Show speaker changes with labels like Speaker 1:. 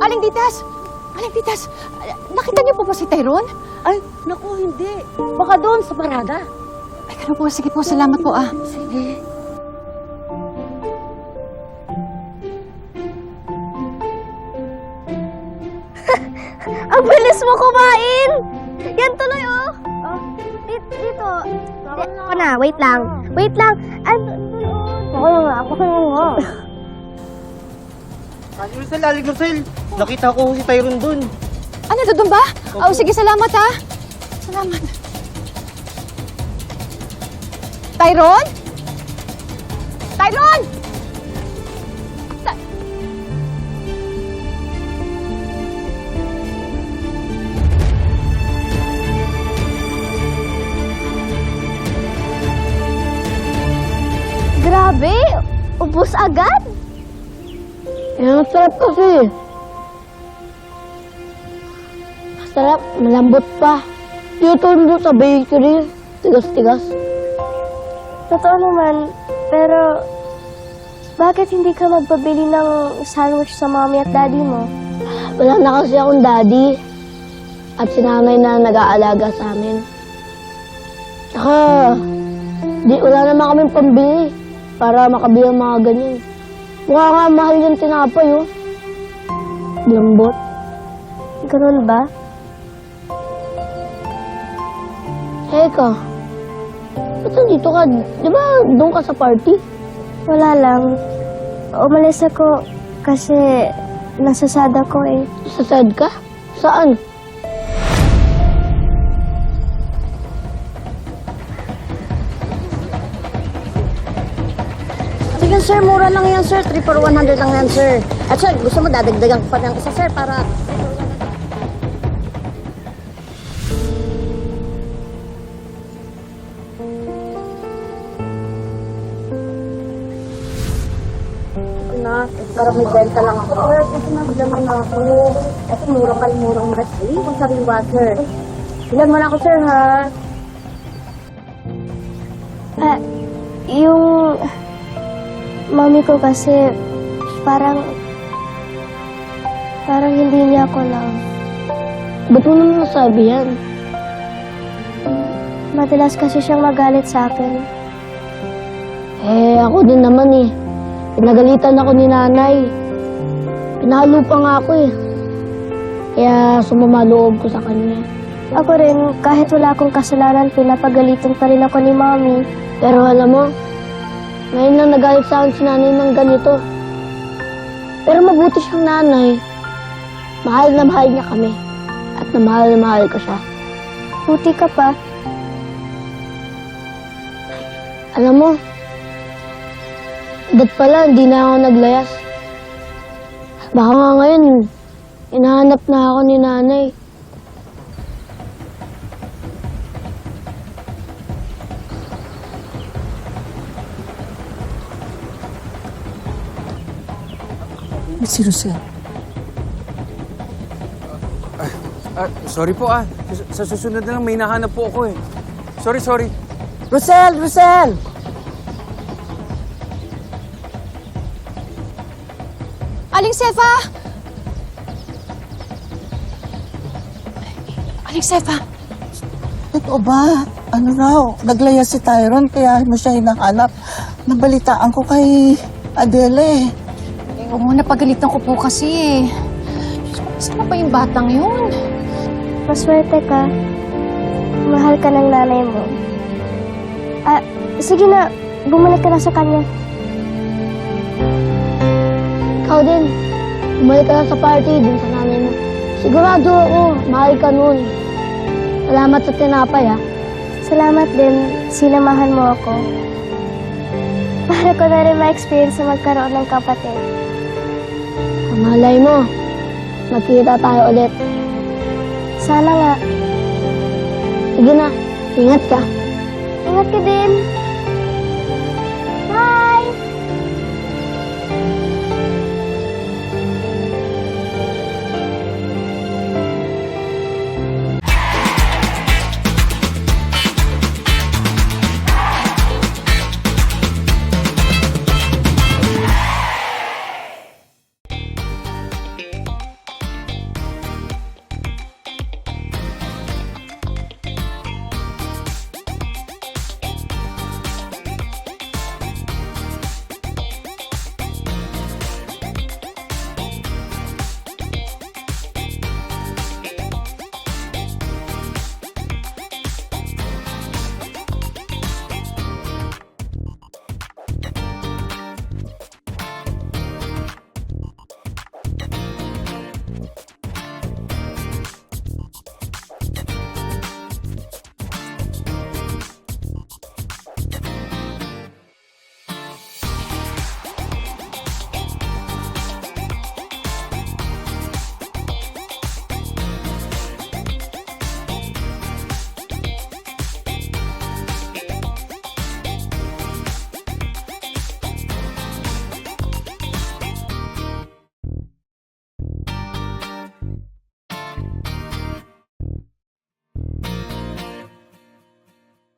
Speaker 1: Aling Titas! Aling Titas! Nakita niyo po ba si Tyrone?
Speaker 2: Ay, naku, hindi. Baka doon sa parada.
Speaker 1: Ay, ganun po. Sige po. Salamat po, ah.
Speaker 2: Sige.
Speaker 3: Ang bilis mo kumain! Yan tuloy, oh! Dito. Ako na, wait lang. Wait lang. Ako na nga, ako na nga.
Speaker 4: Aling Rosel, nakita ko si Tyrone dun.
Speaker 1: Ano, doon ba? Oh, sige, salamat, ah. Salamat. Tyrone? Tyrone!
Speaker 3: Grabe! Ubus agad?
Speaker 5: Ang sarap kasi. Masarap, malambot pa. Dito doon sa bakery, tigas-tigas.
Speaker 3: Totoo naman, pero bakit hindi ka magpabili ng sandwich sa mommy at daddy mo?
Speaker 5: Wala na kasi akong daddy at si nanay na nag-aalaga sa amin. Tsaka, wala naman kaming pambili para makabili ng mga ganyan. Mukha nga mahal yung tinapay, oh. Lambot.
Speaker 3: Ganun ba?
Speaker 5: Eka, ba't nandito ka? Di ba doon ka sa party?
Speaker 3: Wala lang. Umalis ako kasi nasasada ko eh.
Speaker 5: Sasad ka? Saan?
Speaker 2: Sige, sir, mura lang yan, sir. 3 for 100 lang yan, sir. At sir, gusto mo dadagdagan ko pa ng isa, sir, para... na, parang may benta lang ako. Sir, kasi naglaman na ako. Kasi murang recipe kung sariwa, sir. Ilan mo na ako, sir, ha?
Speaker 3: Yung mommy ko kasi parang hindi niya ako lang.
Speaker 5: Ba't mo naman nasabi yan?
Speaker 3: Madalas kasi siyang magalit sa akin.
Speaker 5: Ako din naman eh. Pinagalitan ako ni nanay. Pinalo pa nga ako eh. Kaya sumama loob ko sa kanya.
Speaker 3: Ako rin, kahit wala akong kasalanan, pinapagalitan pa rin ako ni mommy.
Speaker 5: Pero alam mo, ngayon lang nagalit sa akin si nanay ng ganito. Pero mabuti siyang nanay. Mahal na mahal niya kami. At na mahal ko siya.
Speaker 3: Buti ka pa.
Speaker 5: Alam mo, agad pala, hindi na ako naglayas. Baka nga ngayon, hinahanap na ako ni nanay.
Speaker 1: Si Rosel.
Speaker 6: Sorry po Sa susunod na lang may nahanap po ako eh. Sorry.
Speaker 2: Rosel!
Speaker 1: Aling Sefa! Aling Sefa!
Speaker 7: Totoo ba? Ano raw? Naglaya si Tyrone kaya mo siya hinahanap. Nabalitaan ko kay Adele.
Speaker 1: Oo, napagalitan ko po kasi eh. Saan pa yung batang yun?
Speaker 3: Maswerte ka. Mahal ka ng nanay mo. Sige na, bumalik ka na sa kanya.
Speaker 5: Ikaw din, bumalik ka lang sa party dun sa nanay mo. Sigurado ako, mahal ka nun. Salamat sa tinapay, ha?
Speaker 3: Salamat din, sinamahan mo ako. Para ko na rin ma-experience na magkaroon ng kapatid.
Speaker 5: Malay mo, magkita tayo ulit.
Speaker 3: Sana nga.
Speaker 5: Sige na, ingat ka.
Speaker 3: Ingat ka din.